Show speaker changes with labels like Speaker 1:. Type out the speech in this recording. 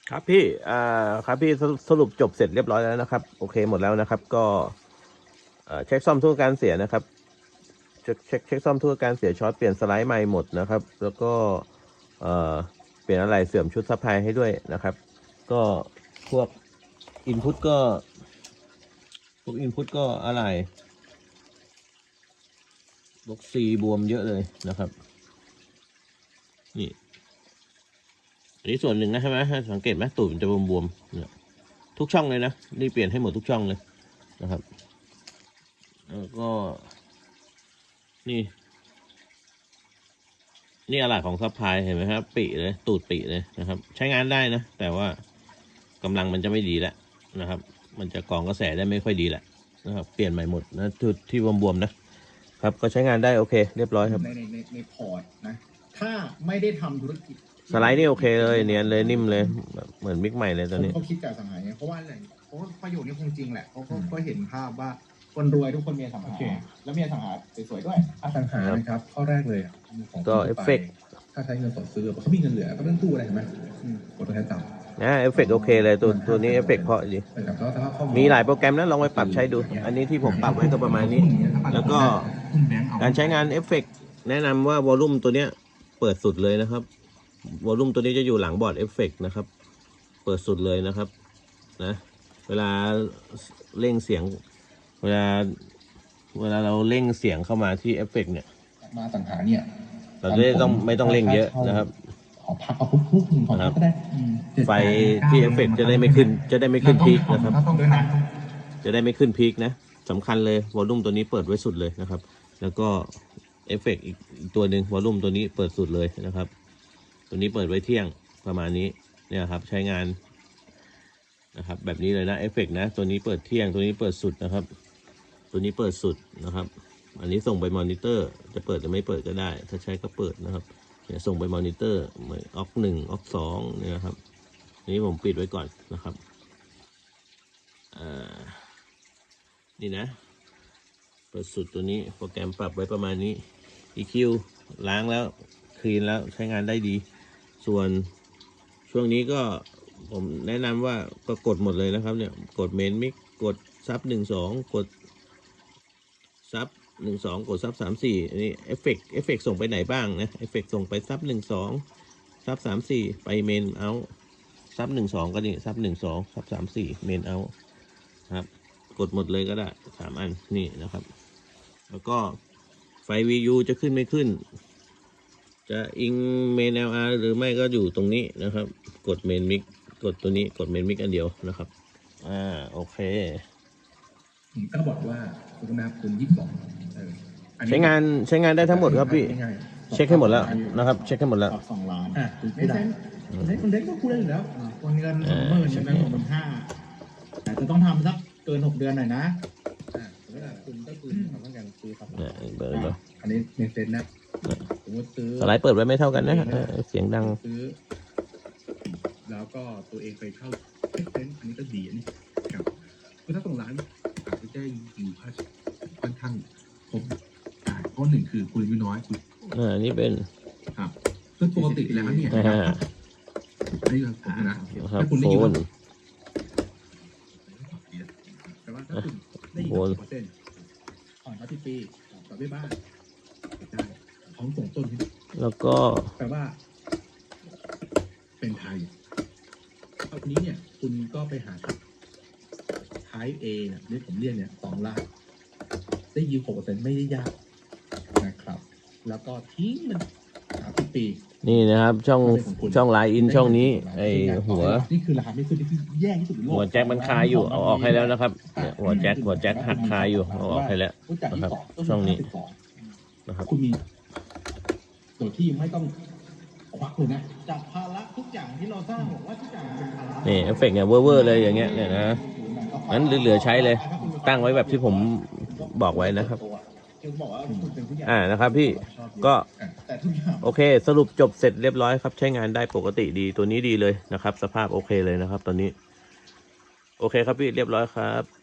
Speaker 1: ครับพี่ครับพี่สรุปจบเสร็จเรียบร้อยแล้วนะครับโอเคหมดแล้วนะครับก็เช็คซ่อมทุกการเสียนะครับเช็คซ่อมทุกการเสียช็อตเปลี่ยนสไลด์ใหม่หมดนะครับแล้วก็เอ่อเปลี่ยนอะไรเสื่อมชุดซัพพลายให้ด้วยนะครับก็พวกอินพุตก็อะไรบล็อกซีบวมเยอะเลยนะครับนี่อันนี้ส่วนหนึ่งนะใช่ไหมสังเกตไหมตูดมันจะบวมๆเนี่ยทุกช่องเลยนะนี่เปลี่ยนให้หมดทุกช่องเลยนะครับแล้วก็นี่อะไรของซัพพลายเห็นไหมครับปีเลยตูดปีเลยนะครับใช้งานได้นะแต่ว่ากำลังมันจะไม่ดีแล้วนะครับมันจะกรองกระแสได้ไม่ค่อยดีแหละนะครับเปลี่ยนใหม่หมดนะจุดที่บวมๆนะครับก็ใช้งานได้โอเคเรียบร้อยครับ
Speaker 2: ในพอร์ตนะถ้าไม่ได้ทำธุรกิจ
Speaker 1: สไลด์นี่โอเคเลยเนียนเลยนิ่มเลยเหมือนมิกใหม่เลยตอนนี้
Speaker 2: เขาคิดกับสังหารเนี่ยเพราะว่าอะไรเพราะว่าประโยชน์นี้คงจริงแหละเขาก็เห็นภาพว่าคนรวยทุกคนมีอสังหาแล้วมีอสังหาสวยๆด้วยอสังหานะครับข้อแรกเลยของ
Speaker 1: ก็เอฟเฟกต์
Speaker 2: ถ้าใช้เงินสดซื้อเขามีเงินเหลือก็ไม่ต้องตู้อะไรเห็นไหมกดตัวแทนต่ำ
Speaker 1: นะเอฟเฟกต์โอเคเลยตัวนี้เอฟเฟกต์เพราะดีมีหลายโปรแกรมนะลองไปปรับใช้ดูอันนี้ที่ผมปรับไว้ก็ประมาณนี้แล้วก็การใช้งานเอฟเฟกต์แนะนำว่าวอลลุ่มตัวเนี้ยเปิดสุดเลยนะครับวอลลุ่มตัวนี้จะอยู่หลังบอร์ดเอฟเฟกต์นะครับเปิดสุดเลยนะครับนะเวลาเร่งเสียงเวลาเราเร่งเสียงเข้ามาที่เอฟเฟกต์เนี่ย
Speaker 2: มาสังหารเนี่ย
Speaker 1: เราจะไม่ต้องเร่งเยอะนะครับ
Speaker 2: ขอพักเอาคุกๆของก็ได้
Speaker 1: ไฟที่เอฟเฟกต์จะได้ไม่ขึ้นพีคนะครับจะได้ไม่ขึ้นพีคนะสำคัญเลยวอลลุ่มตัวนี้เปิดไว้สุดเลยนะครับแล้วก็เอฟเฟกต์อีกตัวหนึ่งวอลลุ่มตัวนี้เปิดสุดเลยนะครับตัวนี้เปิดไว้เที่ยงประมาณนี้เนี่ยครับใช้งานนะครับแบบนี้เลยนะเอฟเฟกต์นะตัวนี้เปิดเที่ยงตัวนี้เปิดสุดนะครับตัวนี้เปิดสุดนะครับอันนี้ส่งไปมอนิเตอร์จะเปิดหรือไม่เปิดก็ได้ถ้าใช้ก็เปิดนะครับเนี่ยส่งไปมอนิเตอร์ออก1ออก2เนี่ยครับนี้ผมปิดไว้ก่อนนะครับนี่นะเปิดสุดตัวนี้โปรแกรมปรับไว้ประมาณนี้ EQ ล้างแล้วคลีนแล้วใช้งานได้ดีส่วนช่วงนี้ก็ผมแนะนำว่าก็กดหมดเลยนะครับเนี่ยกดเมนมิกกดซับ12กดซับ12กดซับ34อันนี้เอฟเฟกส่งไปไหนบ้างนะเอฟเฟกส่งไปซับ12ซับ34ไปเมนเอาซับ12ก็นี่ซับ12ซับ34เมนเอาครับกดหมดเลยก็ได้3อันนี่นะครับแล้วก็ไฟ VU จะขึ้นไม่ขึ้นจะอิงเมน LR หรือไม่ก็อยู่ตรงนี้นะครับกดเมนมิกกดตัวนี้กดเมนมิกอันเดียวนะครับโอเค
Speaker 2: ก็บอกว่าคุณนาคุณ22ใช้
Speaker 1: งานได้ทั้งหมดครับพี่เช็คให้หมดแล้วนะครับเช็คให้หมดแล้ว
Speaker 2: 2 ล้านไม่ใช่คนเด็กก็พูดได้อยู่แล้วคนเงิน20,000ใช่ไหม25,000แต่จะต้องทำสักเกิน6 เดือนหน่อยนะคุณก็คือทำต้องการซื้อครับอันนี้ในเซ็นนะสมมติซื้อ
Speaker 1: สไลด์เปิดไว้ไม่เท่ากันนะเสียงดัง
Speaker 2: ซื้อแล้วก็ตัวเองไปเข้าเซ็นอันนี้ก็ดีอันนี้ครับคือถ้า2 ล้านอาจจะได้อยู่ค่อนข้างครบเพราะ1คือคุณอายุน้อยคุณ
Speaker 1: อันนี้เป็น
Speaker 2: ครับซึ่งปกติแล้วเนี่ยอันนี้ผมนะถ้าคุณได้ยินแต่ว่าถ้าคุณได้ยินผ่อนมาที่ปีต่อไปบ้านได้ของส่งต้น
Speaker 1: แล้วก็
Speaker 2: แปลว่าเป็นไทยคราวนี้เนี่ยคุณก็ไปหาท้าย A เนี่ยที่ผมเรียกเนี่ย2 ล้านได้ยิว 6% ไม่ได้ยากนะครับแล้วก็ทิ้งมัน30 ปี
Speaker 1: นี่นะครับช่องไลน์อินช่องนี้ไอหัว
Speaker 2: นี่คือราคาไม่ขึ้นที่แย่ที่สุดในโลก
Speaker 1: หัวแจ็คมันคาอยู่เอาออกให้แล้วนะครับเนี่ยหัวแจ็คหักคาอยู่เอาออกให้แล้วนะครับช่องนี้นะครับ
Speaker 2: คุณมีโดยที่ไม่ต้องควักเลยนะจากภาระทุกอย่างที่เราสร้างบอกว่าทุกอย่างเป็นภาระ
Speaker 1: นี่เอฟเฟกต์เนี่ยเวอร์เลยอย่างเงี้ยเนี่ยนะงั้นเหลือใช้เลยตั้งไว้แบบที่ผมบอกไว้นะครับนะครับพี่ก็โอเคสรุปจบเสร็จเรียบร้อยครับใช้งานได้ปกติดีตัวนี้ดีเลยนะครับสภาพโอเคเลยนะครับตอนนี้โอเคครับพี่เรียบร้อยครับ